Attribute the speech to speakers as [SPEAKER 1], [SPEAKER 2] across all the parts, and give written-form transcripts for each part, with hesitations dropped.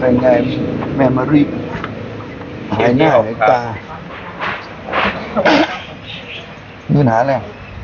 [SPEAKER 1] เป็นไงแม่มารีบหายหน้าหายตามีปัญหาอะไร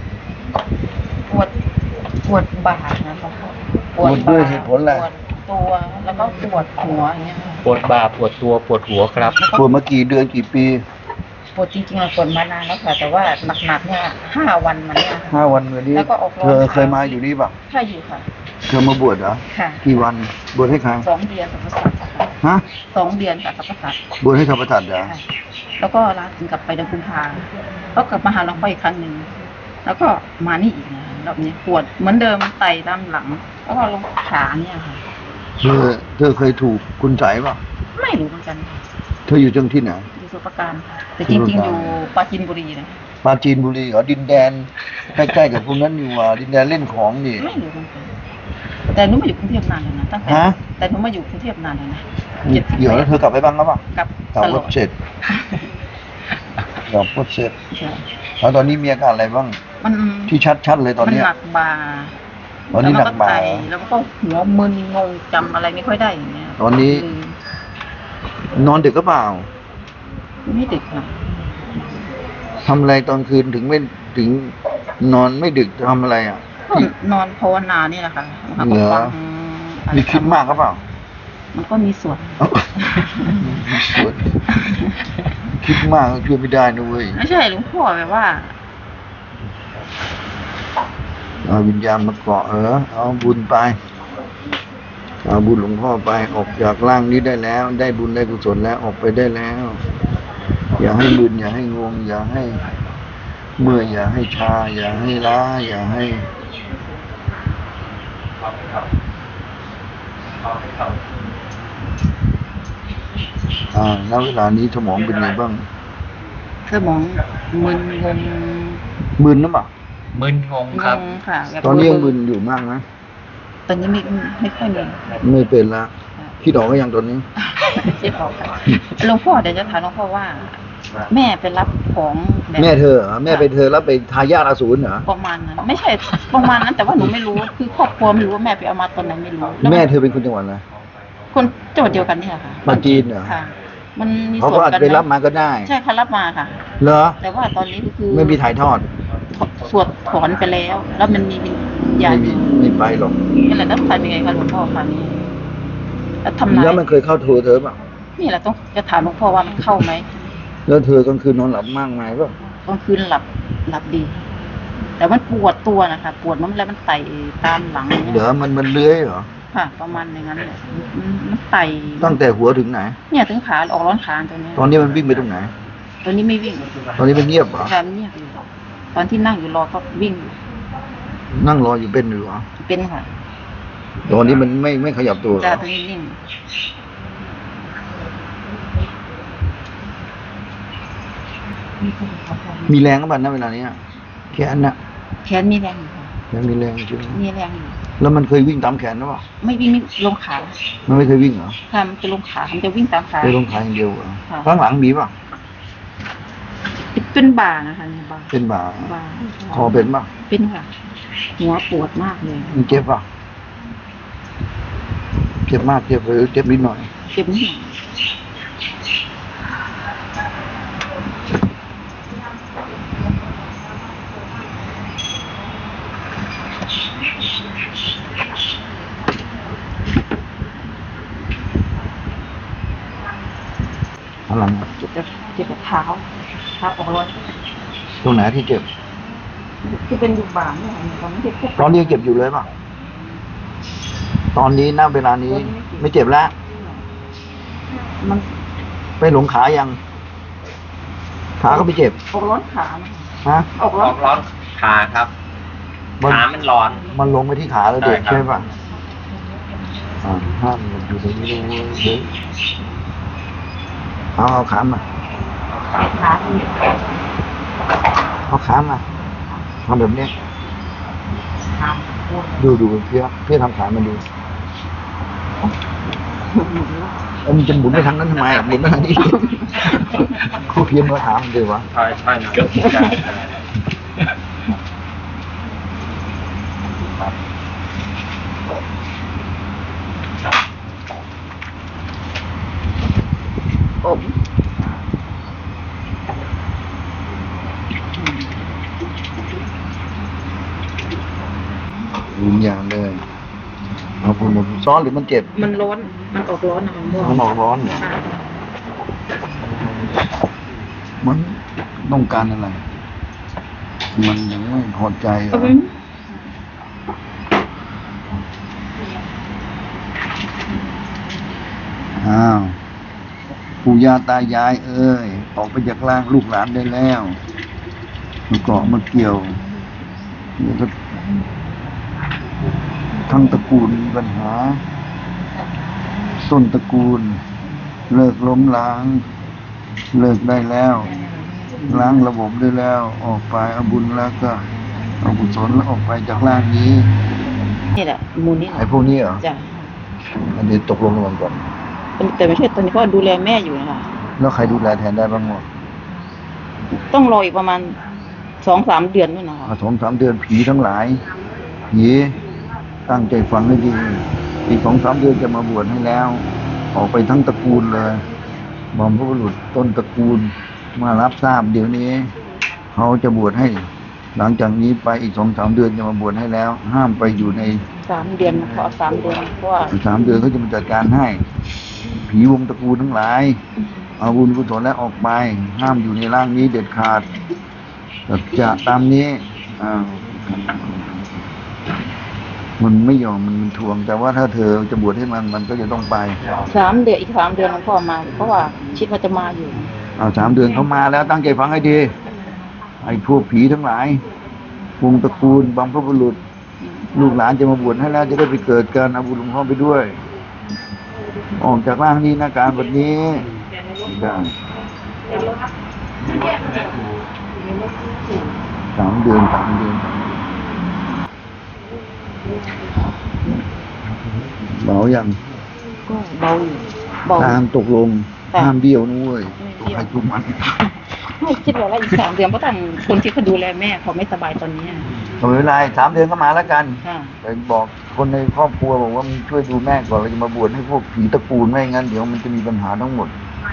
[SPEAKER 2] ปวดบ่านะคะ
[SPEAKER 1] ปวดด้วยเหตุผลอะไร
[SPEAKER 2] ปวดตัวแล้วก็ปวดหัวอย่างเงี้ยค่ะ
[SPEAKER 3] ปวดบ่าปวดตัวปวดหัวครับ
[SPEAKER 1] ปวดมากี่เดือนกี่ปี
[SPEAKER 2] ปวดจริงๆปวดมานานแล้วค่ะแต่ว่าหนักๆเนี่ย5 วันมาเนี่ยค่ะ
[SPEAKER 1] 5 วันวันนี้
[SPEAKER 2] แล้วก็ออกร้อน
[SPEAKER 1] เธอเคยมาอยู่นี่ป่ะ
[SPEAKER 2] ใช่อยู่ค่ะ
[SPEAKER 1] เธอมาบวชเหรอ
[SPEAKER 2] ค่ะ
[SPEAKER 1] กี่วันบวชให้ใคร
[SPEAKER 2] 2 เดือนกับพระสัตว์ค่ะ
[SPEAKER 1] ฮะ
[SPEAKER 2] 2 เดือนกับพระสัตว์
[SPEAKER 1] บวชให้ธรรมทัตเหรอ
[SPEAKER 2] ค่ะแล้วก็ลาถึงกลับไปเดือนกุมภาแล้วกลับมาหาหลวงพ่ออีกครั้งหนึ่งแล้วก็มานี่อีกนะรอบนี้ปวดเหมือนเดิมไต่ตามหลัง แล้วก็ลงขาเนี่ยค่ะ
[SPEAKER 1] เธอเคยถูกคุณใสป่ะ
[SPEAKER 2] ไม่รู้เหมือนกันค่ะ
[SPEAKER 1] เธออยู่จังที่ไหน
[SPEAKER 2] อยู่สมุทรปราการค่ะแต่จริงๆอยู่ปราจีนบุรีนะ
[SPEAKER 1] ปราจีนบุรีเหรอดินแดนใกล้ๆกับพวกนั้นอยู่ว่าดินแดนเล่นของนี่
[SPEAKER 2] ไม่รู้เหมือนกันแต่หนูมาอยู่กรุงเทพนานแล้วนะตั้งแต่
[SPEAKER 1] ฮะ
[SPEAKER 2] แต่หนูมาอยู่กรุงเทพนานแล้วนะ
[SPEAKER 1] เดี๋ยวแล้วเธอกลับไปบ้างแล้วป่ะ
[SPEAKER 2] กลับ
[SPEAKER 1] กลับ
[SPEAKER 2] ตล
[SPEAKER 1] ร
[SPEAKER 2] อ
[SPEAKER 1] ถ
[SPEAKER 2] ด
[SPEAKER 1] เสร็จกลับรถเสร็จ
[SPEAKER 2] ใช่
[SPEAKER 1] แล้วตอนนี้มีอาการอะไรบ้าง
[SPEAKER 2] มัน
[SPEAKER 1] ที่ชัดๆเลยตอน
[SPEAKER 2] มัน
[SPEAKER 1] เนี้ย
[SPEAKER 2] หนักบ่า
[SPEAKER 1] ตอนนี้หนักบ่า
[SPEAKER 2] แล้วมันก็หัวมึนงงจำอะไรไม่ค่อยได้อย่างเงี้ย
[SPEAKER 1] ตอนนี้ นอนดึกก็เปล่า
[SPEAKER 2] ไม่ดึกค่ะ
[SPEAKER 1] ทำอะไรตอนคืนถึงไม่ถึงนอนไม่ดึกทำอะไรอ่ะ
[SPEAKER 2] ก็นอนภาวนาเนี่ยแหละค่ะ
[SPEAKER 1] เหรอ
[SPEAKER 2] ฟังอะไร
[SPEAKER 1] มีคิดมากก็เปล่า
[SPEAKER 2] มันก็มีส่วน
[SPEAKER 1] เอ้ามีส่วนคิดมากก็ช่วยไม่ได้นะเว้ย
[SPEAKER 2] ไม่ใช่หลวงพ่อแบบว่า
[SPEAKER 1] เอาวิญญาณมาเกาะเอาบุญไปเอาบุญหลวงพ่อไปออกจากร่างนี้ได้แล้ว ได้บุญได้กุศลแล้วออกไปได้แล้ว อย่าให้มึนอย่าให้งงอย่าให้เมื่อยอย่าให้ชา อย่าให้ล้าอย่าให้แล้วเวลานี้สมองเป็นไงบ้าง
[SPEAKER 2] สมองมึนงง
[SPEAKER 1] มึนหรือเปล่า
[SPEAKER 3] มึนงงครับ
[SPEAKER 2] งงค่ะแบบ
[SPEAKER 1] ตอนนี้ยังมึนอยู่มากนะ
[SPEAKER 2] ตอนนี้ไม่ค่อยมี
[SPEAKER 1] ไม่เป็นละคิดออกก็ยังตอนนี้
[SPEAKER 2] เจ็บออกค่ะหลวงพ่อเดี๋ยวจะถามหลวงพ่อว่า แม่ไปรับของแบบ
[SPEAKER 1] แม่เธอเหรอแม่ไปเธอแล้วไปทายาทอสูรเหรอ
[SPEAKER 2] ประมาณนั้นไม่ใช่ประมาณนั้นแต่ว่าหนูไม่รู้คือครอบครัวไม่รู้ว่าแม่ไปเอามาตอนไหนไม่รู้ล้ว
[SPEAKER 1] แม่เธอเป็นคนจังหวัดอะไร
[SPEAKER 2] คนจังหวัดเดียวกันเนี่ยค่ะ
[SPEAKER 1] ปราจีนเหรอ
[SPEAKER 2] ค่ะ มันมี
[SPEAKER 1] เขา
[SPEAKER 2] ส่ว
[SPEAKER 1] ก็
[SPEAKER 2] น
[SPEAKER 1] อาจ
[SPEAKER 2] กัน
[SPEAKER 1] จะไปรับมาก็ได้
[SPEAKER 2] ใช่ค่ะรับมาค่ะ
[SPEAKER 1] เหรอ
[SPEAKER 2] แต่ว่าตอนนี้ก็คือ
[SPEAKER 1] ไม่มีถ่ายทอด
[SPEAKER 2] สวดถอนไปแล้ว แล้วมันมีวิญญาณ
[SPEAKER 1] ไม่ไปหรอก
[SPEAKER 2] นี่แหละต้องทำยังไงคะหลวงพ่อคะนี่แล้วทำนาย
[SPEAKER 1] แล้วมันเคยเข้าโทรเธอเปล่ะ
[SPEAKER 2] นี่แหละต้องจะถามหลวงพ่อว่ามันเข้าไหม
[SPEAKER 1] แล้วเธอกลางคืนนอนหลับมากมายเปล่ะ
[SPEAKER 2] กลางคืนหลับดี แต่มันปวดตัวนะคะปวดมันแล้วมันไต่ตามหลังเนี่ย
[SPEAKER 1] เดี๋ยวมันเลื้อยเหรอ
[SPEAKER 2] ค่ะ ประมาณอย่างนั้นแหละมันไต่
[SPEAKER 1] ตั้งแต่หัวถึงไหน
[SPEAKER 2] เนี่ยถึงขาออกร้อนขาตัวเนี้ย
[SPEAKER 1] ตอนนี้มันวิ่งไปตรงไหน
[SPEAKER 2] ตัวนี้ไม่วิ่ง
[SPEAKER 1] ตอนนี้มันเงียบเหรอ
[SPEAKER 2] แต่มันเงียบอยู่ตอนที่นั่งอยู่รอก็วิ่งอยู่
[SPEAKER 1] นั่งรออยู่เป็นอยู่เหรอ
[SPEAKER 2] เป็นค่ะ
[SPEAKER 1] ตอนนี้มันไม่ขยับตัวเหร
[SPEAKER 2] แต่
[SPEAKER 1] อ
[SPEAKER 2] ตัวนี้นิ่ง
[SPEAKER 1] มีแรงก็บ้างนะเวลานี้แขนน่ะ
[SPEAKER 2] แขนมีแรงอยู่ค่ะ
[SPEAKER 1] ยังมีแรงใช่ไหม
[SPEAKER 2] มีแรงอยู่
[SPEAKER 1] แล้วมันเคยวิ่งตามแขนหรือเปล่า
[SPEAKER 2] ไม่วิ่งลงขา
[SPEAKER 1] มันไม่เคยวิ่งเหรอ
[SPEAKER 2] ค่ะมันจะลงขามันจะวิ่งตามขา
[SPEAKER 1] เคยลงขาอย่างเดียวเหรอ
[SPEAKER 2] ค่ะ
[SPEAKER 1] ข้างหลังมีป่ะ
[SPEAKER 2] เป็นบ่านะคะเนี่ยบ่า
[SPEAKER 1] เป็นบ่า
[SPEAKER 2] บ่า
[SPEAKER 1] คอเป็นป่ะ
[SPEAKER 2] เป็นค่ะ หัวปวดมากเลย
[SPEAKER 1] มันเจ็บป่ะเจ็บมากเจ็บหรือเจ็บนิดหน่อย
[SPEAKER 2] เจ็บนิดหน่อย
[SPEAKER 1] ข้างหลัง
[SPEAKER 2] เจ็บกับเท้าออกร้อน
[SPEAKER 1] ตรงไหนที่เจ็บ
[SPEAKER 2] ที่เป็นอยู่บ่าเนี่ยค่ะมันไม่ได้พวก
[SPEAKER 1] ตอนนี้ยังเจ็บอยู่เลยป่ะตอนนี้ณเวลานี้ไม่เจ็บแล้ว
[SPEAKER 2] มัน
[SPEAKER 1] ไปหลงขายัง ขาก็ไม่เจ็บ
[SPEAKER 2] ออกร้อนขานะ
[SPEAKER 1] ฮะ
[SPEAKER 2] ออก
[SPEAKER 3] อ
[SPEAKER 2] ร้อ
[SPEAKER 3] อน กร้อนขาครับ ขามันร้อน
[SPEAKER 1] มันลงไปที่ขาแล้วเด็ก
[SPEAKER 3] ใช่ครับ
[SPEAKER 1] ใช่ป่ะห้ามมันอยู่ตรงนี้เลยเอาขามา
[SPEAKER 2] ขาที่
[SPEAKER 1] เอาขามาทำแบบนี้
[SPEAKER 2] ขาปวด
[SPEAKER 1] ดูเพื่อทำขามันดู มันจะหมุนไปทางนั้นทำไมหมุนไปทางนี้ ครูเพียนมาถามมันดีวะ
[SPEAKER 3] ใช่เกือบได้
[SPEAKER 1] เซ้อนหรือมันเจ็บ
[SPEAKER 2] มันร้อนมันออกร้อนนะมันม่วง
[SPEAKER 1] มันออกร้อนเหรอ
[SPEAKER 2] ค่ะ
[SPEAKER 1] มันต้องการอะไร มันยังไม่พอใจเหรออ้าวปู่ย่าตายายเอ้ยออกไปจากร่างลูกหลานได้แล้วมาเกาะมาเกี่ยวเดี๋ยวก็ทั้งตระกูลมีปัญหา ต้นตระกูล เลิกล้มล้าง เลิกได้แล้ว ล้างระบบได้แล้ว ออกไปเอาบุญแล้วก็เอากุศลแล้วออกไปจากร่างนี้
[SPEAKER 2] นี่แหละมูลนี่แห
[SPEAKER 1] ไอ้
[SPEAKER 2] ละ
[SPEAKER 1] พวกนี้เหรอ
[SPEAKER 2] จ้ะ
[SPEAKER 1] อันนี้ตกลงกันก่อน
[SPEAKER 2] แต่ไม่ใช่ตอนนี้เพราะดูแลแม่อยู่นะคะ
[SPEAKER 1] แล้วใครดูแลแทนได้บ้างวะ
[SPEAKER 2] ต้องรออีกประมาณ2-3 เดือนด้วยนะคะ
[SPEAKER 1] 2-3 เดือนผีทั้งหลายผีตั้งใจฟังให้ดีอีก2-3 เดือนจะมาบวชให้แล้ว ออกไปทั้งตระกูลเลยบอมพระบุรุษต้นตระกูลมารับทราบเดี๋ยวนี้ เขาจะบวชให้ หลังจากนี้ไปอีก2-3 เดือนจะมาบวชให้แล้ว ห้ามไปอยู่ใน
[SPEAKER 2] 3 เดือนขอ3 เดือนเพราะว่า
[SPEAKER 1] 3 เดือนเขาจะมาจัดการให้ ผีวงตระกูลทั้งหลาย เอาบุญกุศลและออกไป ห้ามอยู่ในร่างนี้เด็ดขาดจะตามนี้มันไม่ยอมมันทวง แต่ว่าถ้าเธอจะบวชให้มันก็จะต้องไป
[SPEAKER 2] 3 เดือนอีก3 เดือนหลวงพ่อมา เพราะว่าคิดว่าจะมาอยู่
[SPEAKER 1] 3 เดือนเขามาแล้วตั้งใจฟังให้ดีไอ้พวกผีทั้งหลายวงตระกูลบรรพบุรุษ ลูกหลานจะมาบวชให้แล้วจะได้ไปเกิดกันเอาบุญหลวงพ่อไปด้วย ออกจากร่างนี้นะการแบบนี้ได้3 เดือนเบาอย่าง
[SPEAKER 2] ก็เบาอยู่เบา
[SPEAKER 1] ตามตกลง
[SPEAKER 2] ค่ะ
[SPEAKER 1] ห้ามเบี้ยวนุ้ย
[SPEAKER 2] ไม่เบี้ยว
[SPEAKER 1] ใครทุกมัน
[SPEAKER 2] ไม่คิดว่าอีก3 เดือนเพราะทางคนที่เขาดูแลแม่เขาไม่สบายตอนนี้
[SPEAKER 1] ไม่เป็นไร3 เดือนก็มาแล้วกัน
[SPEAKER 2] ค่ะ
[SPEAKER 1] ไปบอกคนในครอบครัวบอกว่ามึงช่วยดูแม่ก่อนเราจะมาบวชให้พวกผีตระกูลไม่งั้นเดี๋ยวมันจะมีปัญหาทั้งหมด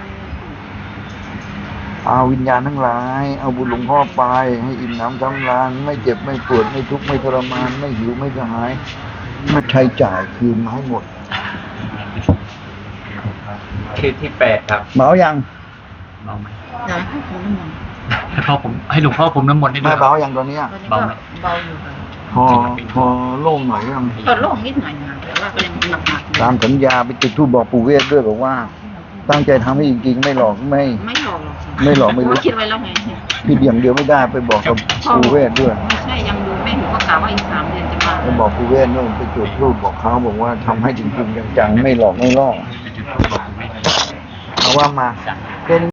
[SPEAKER 1] เอาวิญญาณทั้งหลาย เอาบุญหลวงพ่อไป ให้อิ่มหนำสำราญไม่เจ็บไม่ปวดไม่ทุกข์ไม่ทรมาน ไม่หิวไม่กระหาย ไม่ใช้จ่ายคืนมาให้หมด
[SPEAKER 3] คือที่8ครับ
[SPEAKER 1] เบายัง
[SPEAKER 3] เบาไหม
[SPEAKER 2] อยากให้เขาน้ำมัน
[SPEAKER 3] ให้หลวงพ่อผมน้ำมนต์ให้ด้
[SPEAKER 1] ไม่
[SPEAKER 3] วย
[SPEAKER 1] เบายังตอนเนี้ย
[SPEAKER 2] ตอนนี้
[SPEAKER 3] เบา
[SPEAKER 2] ก็
[SPEAKER 3] ไหม
[SPEAKER 2] เบาอยู่ค่ะ
[SPEAKER 1] พอโล่งหน่อยยัง
[SPEAKER 2] ก็โล่งนิดหน่อยนะแต่ว่าก็ยังหนักๆอยู่
[SPEAKER 1] ตามสัญญาไปจุดธูปบอกปู่เวทด้วยบอกว่า ตั้งใจทำให้จริงๆไม่หลอกไม่
[SPEAKER 2] ไม่หลอกหรอกค่ะ
[SPEAKER 1] ไม่หลอกไม่รู้
[SPEAKER 2] คิดไว้แล้วไง
[SPEAKER 1] ผิดอย่างเดียวไม่ได้ไปบอกกับปู่เวทด้วย
[SPEAKER 2] ไม่ใช่ยังดูแม่หนูก็กล่าวว่าอีก3 เดือนจะมา
[SPEAKER 1] ไปบอกปู่เวทนู่นไปจุดธูปบอกเขาบอกว่าทำให้จริงๆจังๆไม่หลอกไม่ล่อเอาว่ามาเป็น